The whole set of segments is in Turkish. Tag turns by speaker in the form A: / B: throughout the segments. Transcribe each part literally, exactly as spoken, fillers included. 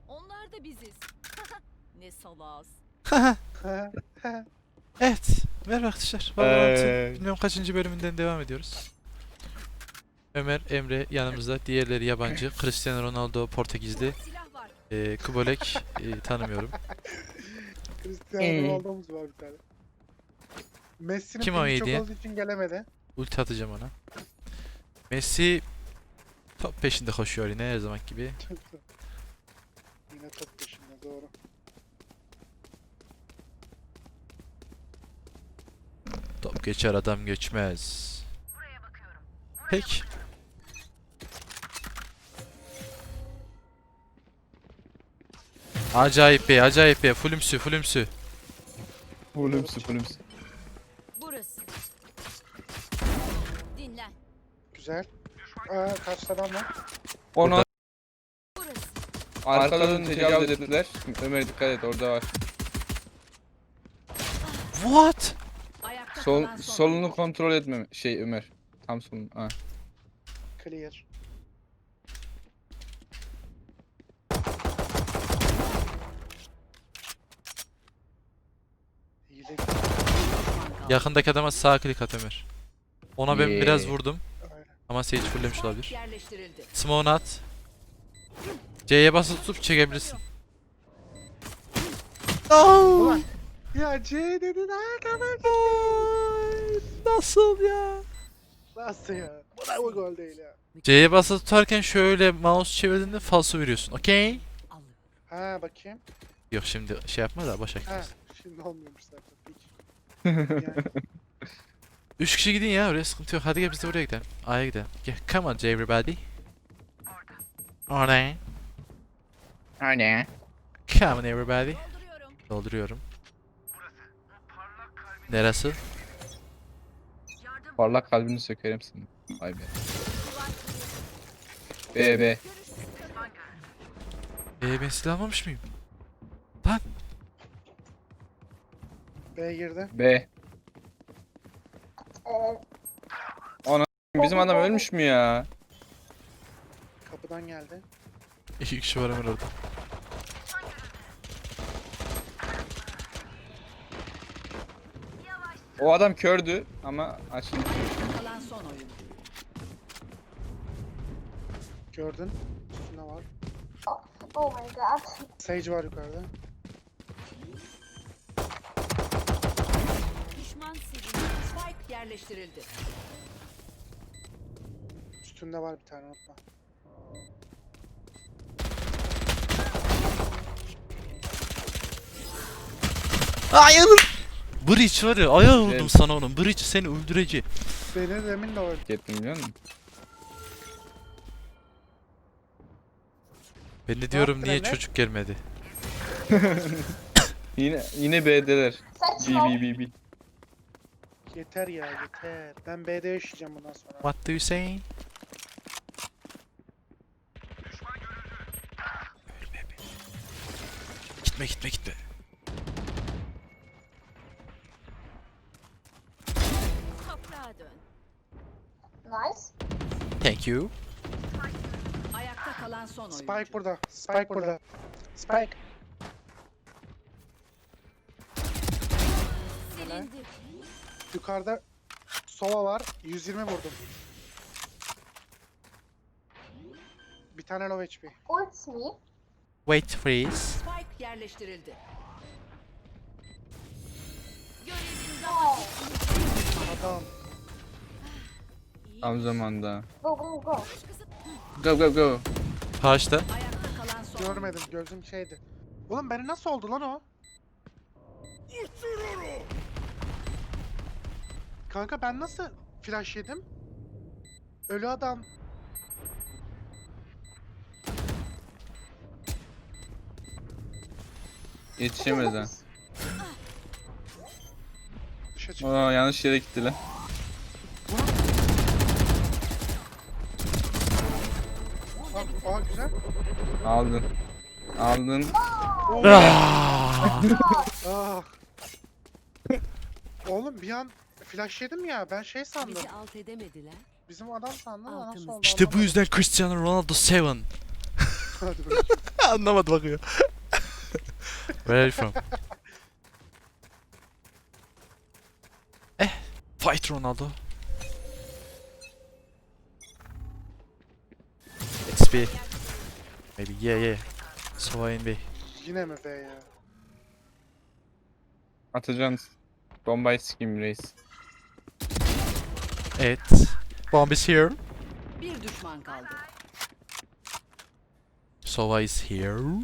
A: Onlar da biziz. Ne salaz.
B: Evet. Merhaba arkadaşlar. Valorant'ın
C: Ee.
B: bilmem kaçıncı bölümünden devam ediyoruz. Ömer, Emre yanımızda. Diğerleri yabancı. Cristiano Ronaldo Portekizli.
A: Silah var.
B: Ee, Kubolek e, tanımıyorum.
D: Cristiano
C: Ee.
D: Ronaldo'muz var bir tane. Messi'nin
B: Kim o
D: pili
B: iyi
D: çok
B: diye?
D: olduğu için gelemedi.
B: Ulti atacağım ona. Messi top peşinde koşuyor yine her zaman gibi.
D: Yine top peşinde, doğru.
B: Top geçer adam geçmez. Peki. Acayip be, acayip be. Fulümsü, fulümsü.
C: Fulümsü fulümsü.
A: Burası. Dinlen.
D: Güzel. Aa, karşıda adam var.
C: Ona
A: Burası.
C: arkadan tecavüz ettiler. Ömer dikkat et, orada var.
B: What?
A: Ayakta
C: Sol
A: kalan son.
C: solunu kontrol etme şey Ömer. Tam solunu. Ha.
D: Clear. İyi de
B: Yakındaki adama sağ klik at Ömer. Ona ben
C: Yeah.
B: biraz vurdum.
D: aynen.
B: Ama Sage fullemiş olabilir.
A: Yerleştirildi.
B: Smoke'unu at. C'ye basılı tutup çekebilirsin.
D: Ulan. Ya C dedin ha kadar.
B: Nasıl ya?
D: Nasıl ya? Bu da bu gol değil ya.
B: C'ye basılı tutarken şöyle mouse çevirdiğinde falso veriyorsun. Okey?
D: Ha bakayım.
B: Yok şimdi şey yapma da boş
D: Ha
B: ver.
D: şimdi olmuyormuş zaten. Peki. Yani
B: Üç kişi gidin ya oraya sıkıntı yok. Hadi gel biz de buraya gidelim. A'ya gidelim. Gel. Come on everybody. Orada.
C: Hani?
B: Come on everybody.
A: Dolduruyorum.
B: Dolduruyorum. Neresi?
C: Parlak kalbini sökerim senin. Vay be. B B.
B: Ee, ben silah almamış mıyım?
D: B girdi.
C: B. Ana bizim adam ölmüş mü ya?
D: Kapıdan geldi.
B: İki kişi var hemen orada.
C: O adam kördü ama açıldı.
A: Kalan son oyun.
D: Gördün. Üstünde var.
E: Oh my god.
D: Sage var yukarıda.
A: Düşman silindi. Spike yerleştirildi.
D: Üstünde var bir tane, unutma.
B: Hayır! Breach var ya ayağı vurdum
C: Evet.
B: sana onun. Breach seni öldürecek.
D: Beni demin de öldü.
C: Gittim biliyor musun?
B: Ben de diyorum
D: yaptın
B: niye
D: Emre?
B: çocuk gelmedi.
C: Yine yine B'deler. B
E: Saçma.
C: B B B.
D: Yeter ya, yeter. Ben B'de yaşayacağım bundan sonra.
B: What do you say? Ölme be. Gitme gitme gitme.
A: Toprağa dön.
E: Nice.
B: Thank you.
A: Ayakta kalan son oyun.
D: Spike burada. Spike burada. Spike.
A: Silindi.
D: Yukarıda Sova var. yüz yirmi vurdum. Bir tane low H P.
E: Ult me.
B: Wait freeze.
A: Spike yerleştirildi. Görevin daha
E: Oh.
D: Adam.
A: iyi.
C: Tam zamanda.
E: Go go go.
C: Go go go.
B: Karşıda.
A: Ayakta kalan son oyun.
D: Görmedim. Gözüm şeydi. Oğlum beni nasıl oldu lan o? Kanka ben nasıl flash yedim? Ölü adam.
C: Yetişemez ha.
D: Dışa çıktı.
C: Aa yanlış yere gitti lan.
D: Aa, aa güzel.
C: Aldın. Aldın.
B: Ah!
D: Aa. Oğlum bir an flash yedim ya, ben şey sandım.
A: Bizi alt edemediler.
D: Bizim adam sandım da nasıl oldu?
B: İşte bu
D: anlamadım.
B: yüzden Cristiano Ronaldo seven.
D: Hadi bakayım.
B: Anlamadı bakıyor. Where are you from? Eh, fight Ronaldo. It's B. Maybe yeah yeah. Sova in B.
D: Yine mi be ya?
C: Atacaksın. Bombayı sikeyim reis.
B: Evet. Bomb is here.
A: Bir düşman kaldı.
B: Sova is here.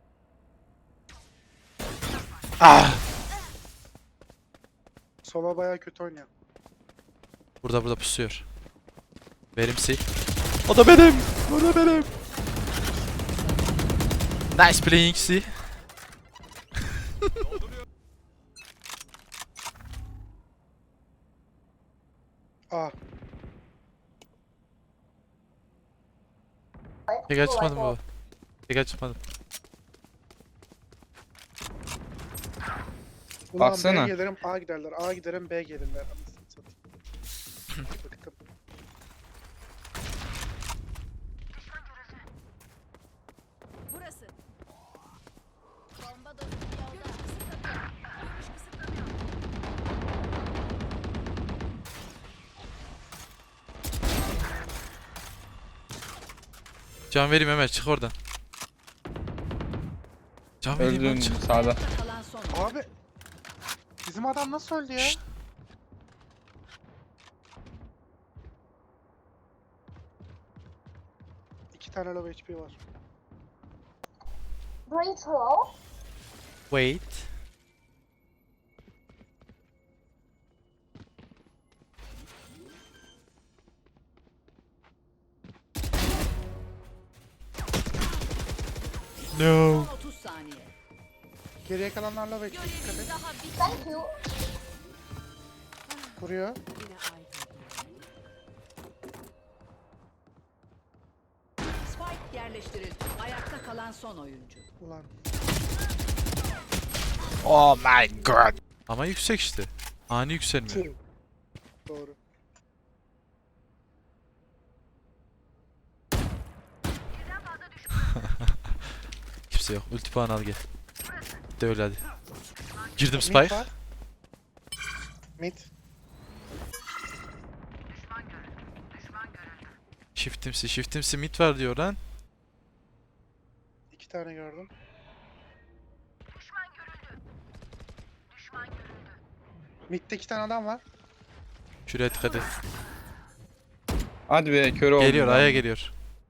B: Ah!
D: Sova bayağı kötü oynuyor.
B: Burada burada pusuyor. Verimsi. O da benim. O da benim. Nice playing C.
D: Aa.
B: Tekrar çıkmadım baba. Tekrar çıkmadım.
D: Ulan
C: Baksana.
D: B gelirim A giderler. A giderim B gelirler. Anasını satayım. Bıktım.
A: Burası. Bomba dostum yolda. Görüş kısıtlanıyor.
B: Can vereyim Ömer, çık oradan. Can vereyim lan,
C: Öldün
B: çık.
C: sağda.
A: Ayakta kalan son oyuncu.
D: Abi. Bizim adam nasıl öldü ya?
B: Şşt.
D: İki tane low H P var.
E: Breach low.
B: Wait. No.
A: Son otuz saniye.
D: Geriye kalanlarla low H P dikkat
A: Görevimiz
D: et.
A: daha bitmedi.
E: Thank you.
D: Vuruyor.
A: Yine aydın. Spike yerleştirildi. Ayakta kalan son oyuncu.
D: Ulan.
B: Oh my god. Ama yüksek işte. Ani yükselme.
D: Tüh. Doğru.
B: Kimse yok. Ulti puan al gel. De öyle hadi. Girdim
D: Mid
B: spike.
D: var. Mid.
B: Shiftimsi, shiftimsi mid var diyor lan.
D: İki tane gördüm. Mid'de iki tane adam var.
B: Şuraya dikkat et.
C: Hadi be kör oldum.
B: Geliyor,
C: lan.
B: aya geliyor.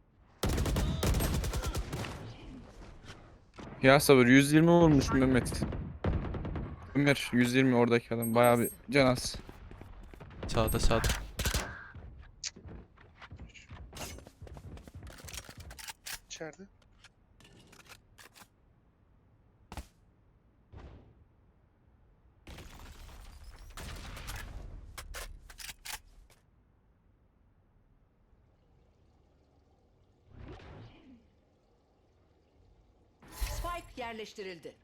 C: Ya sabır yüz yirmi vurmuş Mehmet. Ömer yüz yirmi oradaki adam bayağı bir can az.
B: Sağda sağda.
D: İçeride.
A: Spike yerleştirildi.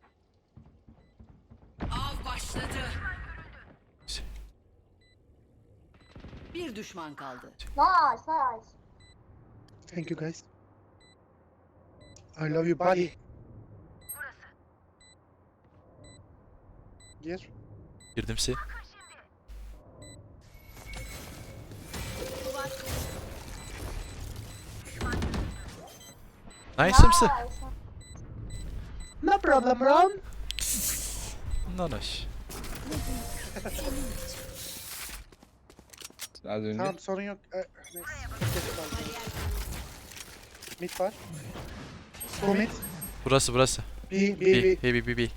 A: Av başladı. Bir düşman kaldı.
E: Nice, nice.
D: Thank you guys. I love you buddy. Gir.
B: Girdim si. Nice mısın?
E: Nice.
D: No problem Ron.
B: Nanaş.
C: Az önce.
D: Tamam sorun yok. Ee, neyse. Geç kaldı. Mid var. Bu mid.
B: Burası burası.
D: B, B,
B: B,
D: B.
B: hey B, B, B.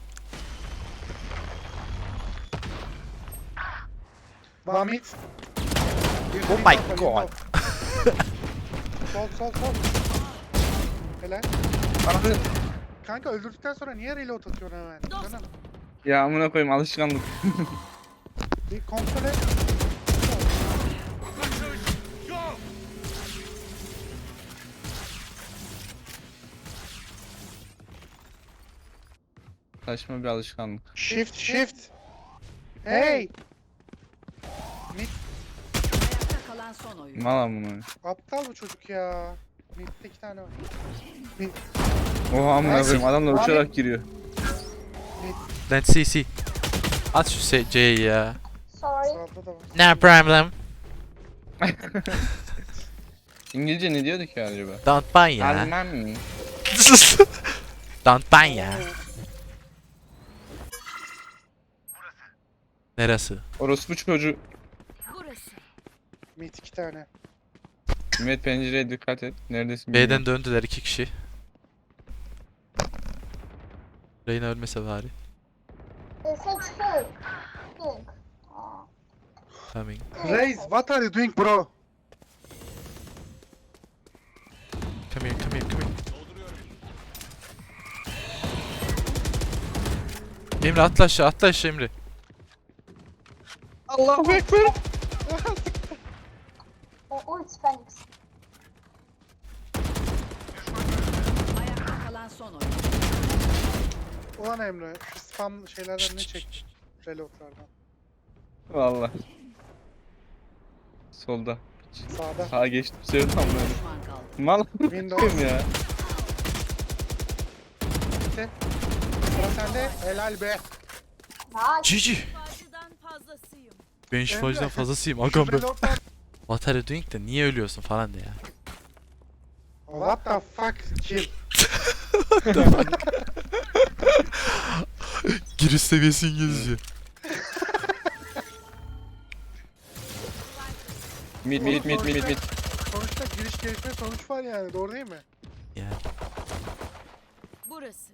D: One mid. Bir
B: Oh
D: mid
B: my
D: var,
B: god.
D: Sol sol sol. Helal.
C: Abi.
D: Kanka öldürdükten sonra niye reload atıyorsun hemen? Canım.
C: Ya amına koyayım alışkanlık.
D: Bir kontrol et.
C: Saçma bir alışkanlık.
D: Shift shift. Hey. Mid.
A: Ayakta kalan son oyuncu.
C: Mal amına.
D: Aptal bu çocuk ya. Mid'de iki tane var. Mid.
C: Oha amına koyayım adamlar
D: Abi.
C: uçarak giriyor.
B: Let's see see. At şu se- C'yi ya.
E: Sorry.
D: Sağda da var.
B: No problem.
C: İngilizce ne diyorduk ya acaba?
B: Don't buy ya.
C: Alman mı?
B: Don't buy ya. Neresi?
C: Orospu çocuğu.
A: Burası.
D: Mid iki tane.
C: Mehmet pencereye dikkat et. Neredesin? bilmiyorum.
B: B'den döndüler iki kişi. Reyna ölmese bari.
E: They say pink. Pink. Oh.
B: Coming.
D: Raze, what are you doing bro?
B: Come here, come here, come here. Emre atla aşağı, atla aşağı Emre.
C: Allahu Ekber.
E: Oh, ult Phoenix.
A: Ayakta kalan son oyuncu.
D: Ulan Emre, şu spam şeylerden ne çek? Reloadlardan.
C: Valla. Solda.
D: Sağda.
C: Sağa geçtim. Sevdim amına.
A: Bir düşman kaldı.
C: Mal
D: Windows.
C: koyayım ya.
D: Bitti. Sıra sende. Helal be.
E: Nice.
B: Cici.
A: Fazladan fazlasıyım.
B: Ben
D: Emre.
B: şifacıdan fazlasıyım.
D: Şu
B: Agam ben.
D: reloadlar.
B: What are you doing de niye ölüyorsun falan de ya.
D: What the fuck kill.
B: Giriş seviyesi İngilizce.
C: Mid mid mid mid mid.
D: Sonuçta giriş gelişme sonuç var yani, doğru değil mi?
B: Ya.
A: Burası.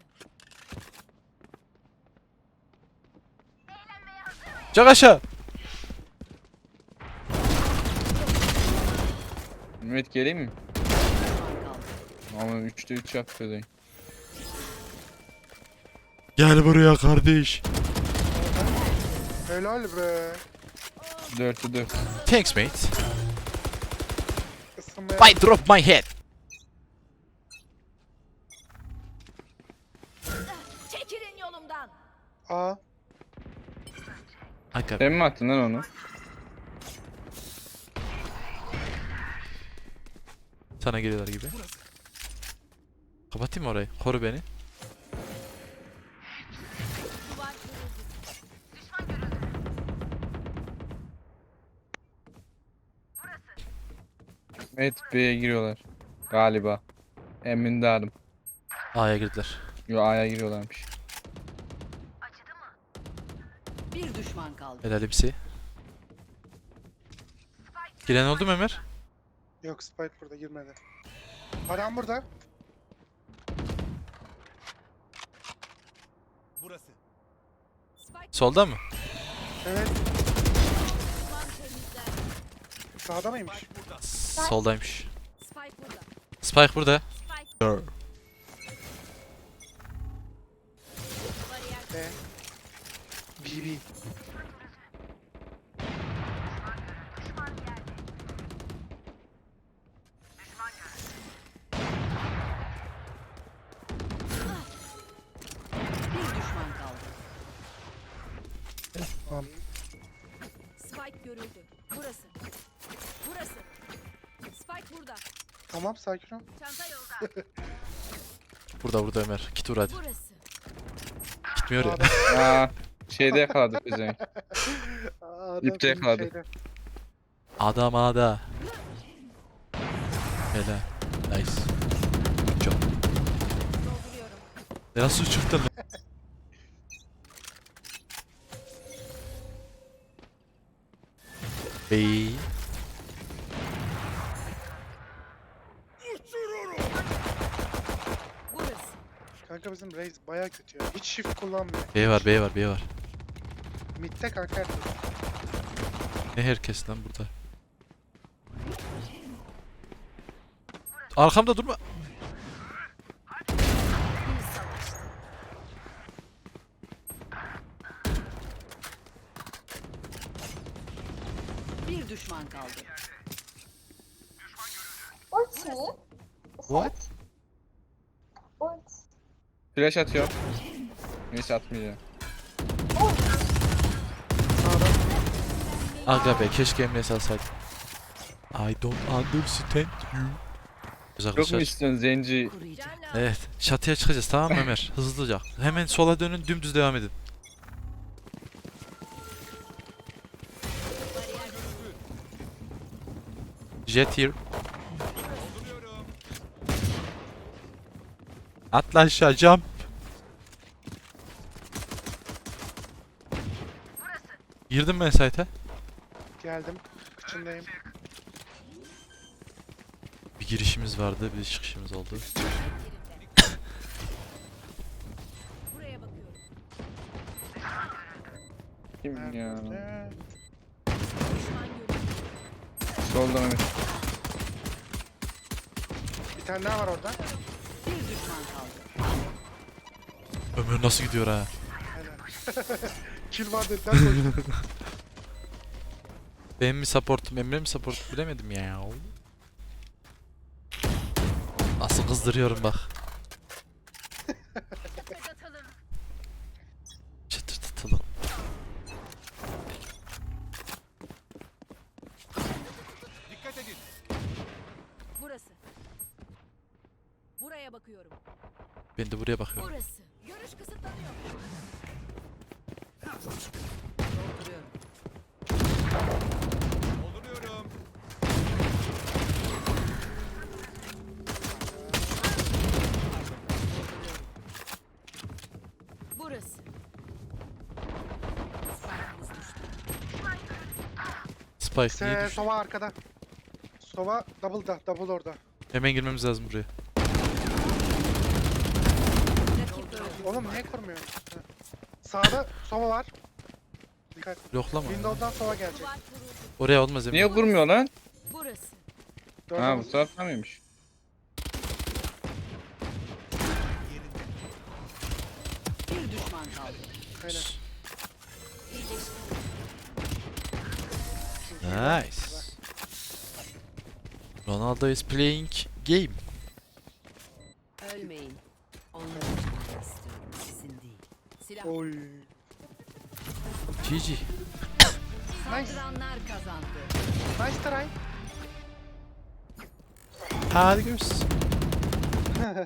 B: Çak aşağı.
C: Mehmet geleyim mi?
A: Düşman kaldı.
C: Ama üçte üç yapıyor.
B: Gel buraya kardeş.
D: Helal be.
C: dörtte dört.
B: Thanks mate.
D: Isınmaya.
B: Why drop my head?
A: Çekilin yolumdan.
D: Aa.
B: Aga
C: Sen mi attın lan onu?
B: sana geliyorlar gibi. Kapatayım mı orayı? Koru beni.
A: Duvar kırıldı.
C: Mehmet B'ye giriyorlar. Galiba. Emin değilim.
B: A'ya girdiler.
C: Yo A'ya giriyorlarmış.
A: Bir düşman kaldı.
B: Helal hepsi. Giren oldu mu Ömer?
D: Yok, Spike burada girmedi. Adam burada.
A: Spike
B: Solda mı?
D: Evet.
A: düşman temizler.
D: Sağda mıymış?
B: Soldaymış.
A: Spike burada.
B: Spike burada.
A: Spike
B: Dur.
A: bariyer.
D: B. B B.
A: Bir düşman kaldı.
D: Tamam.
A: Spike görüldü. Burası. Burası. Spike burada.
D: Tamam, sakin ol.
A: Çanta yolda.
B: Burada burada Ömer. Git vur hadi.
A: Burası.
B: Gitmiyor ya.
D: Adam-
C: Aa, şeyde yakaladık biz yani.
D: Aa, adam
C: İpte
D: senin
C: yakaladı.
D: şeyde.
B: Adam ada. Helal. Nice. Çok.
A: Dolduruyorum.
B: Nasıl çıktın lan? Bey.
A: Burası.
D: Kanka bizim Raze baya kötü ya. Hiç shift kullanmıyor.
B: B var B var B var.
D: Mid'de kanka herkes.
B: Ne herkes lan burada. Arkamda durma.
A: Bir savaştı. Bir düşman kaldı.
E: Ult me.
B: What?
E: Ult.
C: Flash atıyor. Neyse atmayacağım.
B: Aga be keşke emniyet alsaydım. I don't understand you. Güzel
C: Yok mu
B: arkadaşlar.
C: istiyorsun zenci?
A: Kuruyacak.
B: Evet. Çatıya çıkacağız tamam mı Ömer? Hızlıca. Hemen sola dönün dümdüz devam edin. Jet here. Atla aşağı jump. Girdim ben site'e.
D: Geldim. Kıçındayım.
B: Bir girişimiz vardı, bir çıkışımız oldu.
A: Buraya bakıyorum.
C: Kim ya?
D: Nerede?
A: Düşman görüldü.
C: Solda Mehmet.
D: Bir tane daha var orada.
A: Bir düşman kaldı.
B: Ömür nasıl gidiyor ha?
D: Helal. Kill var dediler koydum.
B: Benim mi supportum, Emre mi support bilemedim ya. Nasıl kızdırıyorum bak. Çıtırtıtalım.
A: Burası. Buraya bakıyorum.
B: Ben de buraya bakıyorum.
A: Burası. Görüş kısıtlanıyor. Dolduruyorum. Burası. Spike'ımız düştü.
B: Spike niye
D: Se,
B: düştü?
D: Sova arkada. Sova double'da. Double orada.
B: Hemen girmemiz lazım buraya.
A: Rakip öldü.
D: Oğlum niye kurmuyor? Ha. Sağda Sova var. Dikkat.
B: Yoklama.
D: Windows'dan Sova gelecek.
A: Duvar kuruldu.
B: Oraya olmaz Emre.
C: Niye kurmuyor lan?
A: Burası.
D: Dört
C: Ha bu
D: double.
C: tarafta mıymış?
A: Bir düşman kaldı.
D: Aynen.
B: Nice. Ronaldo is playing game.
A: Ölmeyin. Onları canını istiyorum. Sizin değil. Silah.
D: Oy.
B: G G.
A: Saldıranlar kazandı.
D: Nice try.
B: Hadi görüşürüz.